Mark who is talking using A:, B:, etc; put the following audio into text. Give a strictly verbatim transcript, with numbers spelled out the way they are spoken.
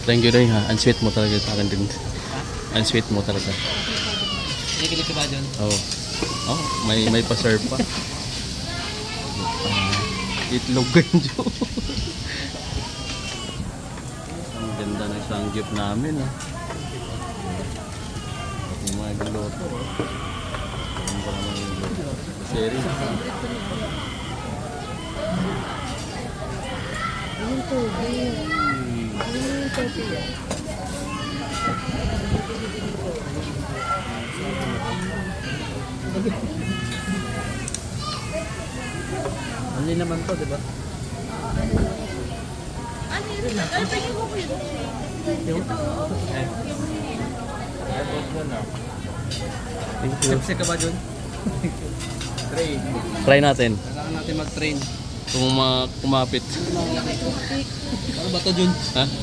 A: Thank you rin ha. Ang sweet mo talaga sa akin din. Ang sweet mo talaga.
B: Nakikinig ka ba dyan?
A: Oo. Oh. Oh, may may pa-serve pa. Uh, itlog ganjo. Ang ganda ng sanggip namin ah. Yung mga galoto ah. Yung pa naman yung galoto. Seri.
C: Yung tubig. Yung tubig.
B: Only naman to, di ba?
C: Ano yun? Ay, tingin mo ko yun.
B: Yung? Eh. Sipsip ka ba dyan? Train.
A: Try natin.
B: Kailangan natin mag-train.
A: Kung ma kumapit.
B: Ano ba to dyan?
A: Ha?